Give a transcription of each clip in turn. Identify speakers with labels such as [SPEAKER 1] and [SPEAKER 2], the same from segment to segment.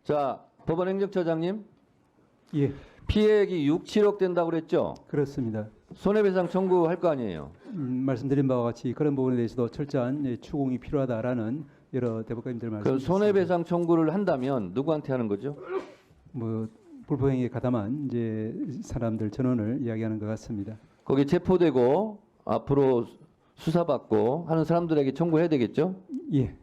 [SPEAKER 1] 자, 법원행정처장님,
[SPEAKER 2] 예,
[SPEAKER 1] 피해액이 6, 7억 된다고 그랬죠?
[SPEAKER 2] 그렇습니다.
[SPEAKER 1] 손해배상 청구할 거 아니에요?
[SPEAKER 2] 말씀드린 바와 같이 그런 부분에 대해서도 철저한 추궁이 필요하다라는 여러 대법관님들 말씀.
[SPEAKER 1] 그 손해배상 청구를 한다면 누구한테 하는 거죠?
[SPEAKER 2] 뭐 불법행위에 가담한 이제 사람들 전원을 이야기하는 것 같습니다.
[SPEAKER 1] 거기 체포되고 앞으로 수사받고 하는 사람들에게 청구해야 되겠죠?
[SPEAKER 2] 예,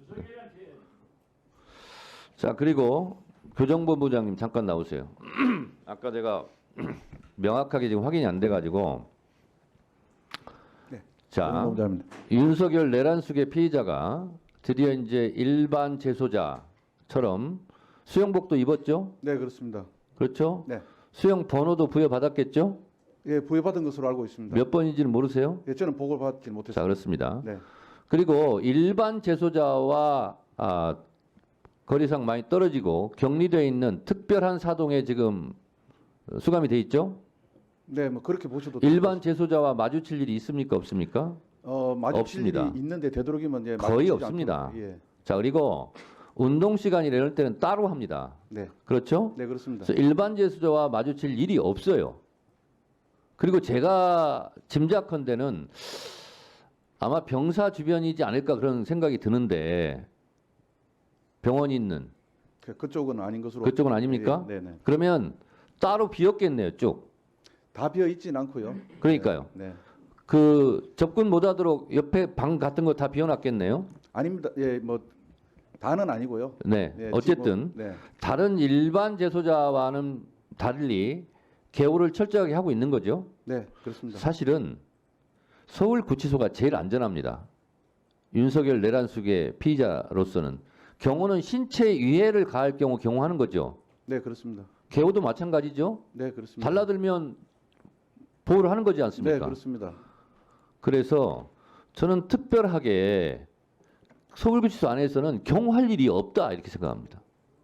[SPEAKER 1] 자, 그리고 교정본부장님 잠깐 나오세요. 아까 제가 명확하게 지금 확인이 안 돼가지고.
[SPEAKER 3] 네,
[SPEAKER 1] 자,
[SPEAKER 3] 교정본부장입니다.
[SPEAKER 1] 윤석열 내란숙의 피의자가 드디어 이제 일반 재소자처럼 수영복도 입었죠?
[SPEAKER 3] 네, 그렇습니다.
[SPEAKER 1] 그렇죠?
[SPEAKER 3] 네,
[SPEAKER 1] 수영 번호도 부여받았겠죠?
[SPEAKER 3] 예, 부여받은 것으로 알고 있습니다.
[SPEAKER 1] 몇 번인지는 모르세요?
[SPEAKER 3] 예, 저는 보고를 받지
[SPEAKER 1] 자,
[SPEAKER 3] 못했습니다.
[SPEAKER 1] 그렇습니다.
[SPEAKER 3] 네,
[SPEAKER 1] 그리고 일반 재소자와 거리상 많이 떨어지고 격리되어 있는 특별한 사동에 지금 수감이 돼 있죠?
[SPEAKER 3] 네, 뭐 그렇게 보셔도
[SPEAKER 1] 일반 재소자와 마주칠 일이 있습니까? 없습니까?
[SPEAKER 3] 마주칠
[SPEAKER 1] 없습니다.
[SPEAKER 3] 일이 있는데 되도록이면 예,
[SPEAKER 1] 거의
[SPEAKER 3] 마주치지
[SPEAKER 1] 없습니다.
[SPEAKER 3] 않도록, 예,
[SPEAKER 1] 자, 그리고 운동 시간이나 이럴 때는 따로 합니다.
[SPEAKER 3] 네,
[SPEAKER 1] 그렇죠?
[SPEAKER 3] 네, 그렇습니다.
[SPEAKER 1] 그래서 일반 재소자와 마주칠 일이 없어요. 그리고 제가 짐작컨대는 아마 병사 주변이지 않을까 그런 생각이 드는데 병원이 있는
[SPEAKER 3] 그쪽은 아닌 것으로.
[SPEAKER 1] 그쪽은 아닙니까?
[SPEAKER 3] 네, 네, 네.
[SPEAKER 1] 그러면 따로 비었겠네요, 쭉.
[SPEAKER 3] 다 비어 있진 않고요.
[SPEAKER 1] 그러니까요.
[SPEAKER 3] 네, 네.
[SPEAKER 1] 그 접근 못하도록 옆에 방 같은 거 다 비워놨겠네요.
[SPEAKER 3] 아닙니다. 예, 뭐 다는 아니고요.
[SPEAKER 1] 네,
[SPEAKER 3] 예,
[SPEAKER 1] 어쨌든
[SPEAKER 3] 지금, 네,
[SPEAKER 1] 다른 일반 재소자와는 달리 개호를 철저하게 하고 있는 거죠.
[SPEAKER 3] 네, 그렇습니다.
[SPEAKER 1] 사실은 서울구치소가 제일 안전합니다. 윤석열 내란숙의 피의자로서는 경호는 신체 위해를 가할 경우 경호하는 거죠.
[SPEAKER 3] 네, 그렇습니다.
[SPEAKER 1] 개호도 마찬가지죠.
[SPEAKER 3] 네, 그렇습니다.
[SPEAKER 1] 달라들면 보호를 하는 거지
[SPEAKER 3] 네,
[SPEAKER 1] 않습니까?
[SPEAKER 3] 그렇습니다.
[SPEAKER 1] 그래서 저는 특별하게 서울구치소 안에서는 경호할 일이 없다 이렇게 생각합니다.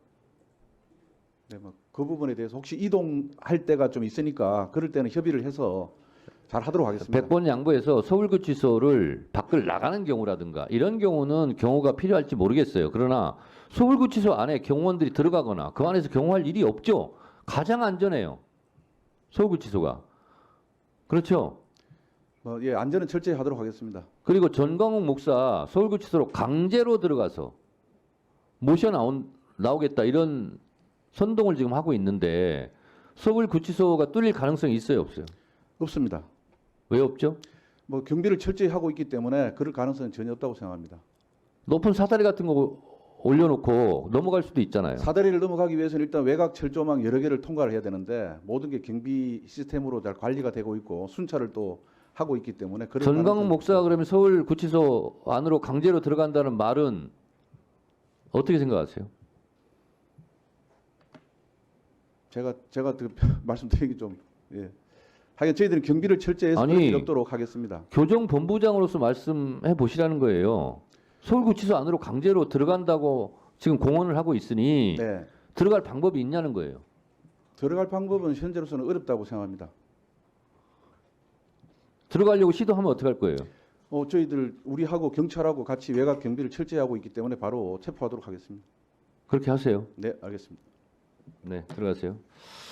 [SPEAKER 3] 네, 뭐 그 부분에 대해서 혹시 이동할 때가 좀 있으니까 그럴 때는 협의를 해서 잘 하도록 하겠습니다.
[SPEAKER 1] 100번 양보해서 서울구치소를 밖을 나가는 경우라든가 이런 경우는 경호가 필요할지 모르겠어요. 그러나 서울구치소 안에 경호원들이 들어가거나 그 안에서 경호할 일이 없죠. 가장 안전해요. 서울구치소가. 그렇죠.
[SPEAKER 3] 예, 안전은 철저히 하도록 하겠습니다.
[SPEAKER 1] 그리고 전광욱 목사 서울구치소로 강제로 들어가서 나오겠다 이런 선동을 지금 하고 있는데 서울구치소가 뚫릴 가능성이 있어요, 없어요?
[SPEAKER 3] 없습니다.
[SPEAKER 1] 왜 없죠?
[SPEAKER 3] 뭐 경비를 철저히 하고 있기 때문에 그럴 가능성은 전혀 없다고 생각합니다.
[SPEAKER 1] 높은 사다리 같은 거 올려놓고 넘어갈 수도 있잖아요.
[SPEAKER 3] 사다리를 넘어가기 위해서는 일단 외곽 철조망 여러 개를 통과를 해야 되는데 모든 게 경비 시스템으로 잘 관리가 되고 있고 순찰을 또 하고 있기 때문에 그럴
[SPEAKER 1] 전광훈
[SPEAKER 3] 가능성은
[SPEAKER 1] 목사가 그러면 서울구치소 안으로 강제로 들어간다는 말은 어떻게 생각하세요?
[SPEAKER 3] 제가 말씀드리기 좀 예. 하여간 저희들은 경비를 철저히 해서
[SPEAKER 1] 아니,
[SPEAKER 3] 그럴 일 없도록 하겠습니다.
[SPEAKER 1] 교정본부장으로서 말씀해 보시라는 거예요. 서울구치소 안으로 강제로 들어간다고 지금 공언을 하고 있으니
[SPEAKER 3] 네.
[SPEAKER 1] 들어갈 방법이 있냐는 거예요.
[SPEAKER 3] 들어갈 방법은 현재로서는 어렵다고 생각합니다.
[SPEAKER 1] 들어가려고 시도하면 어떡할 거예요?
[SPEAKER 3] 저희들 우리하고 경찰하고 같이 외곽 경비를 철저히 하고 있기 때문에 바로 체포하도록 하겠습니다.
[SPEAKER 1] 그렇게 하세요.
[SPEAKER 3] 네, 알겠습니다.
[SPEAKER 1] 네, 들어가세요.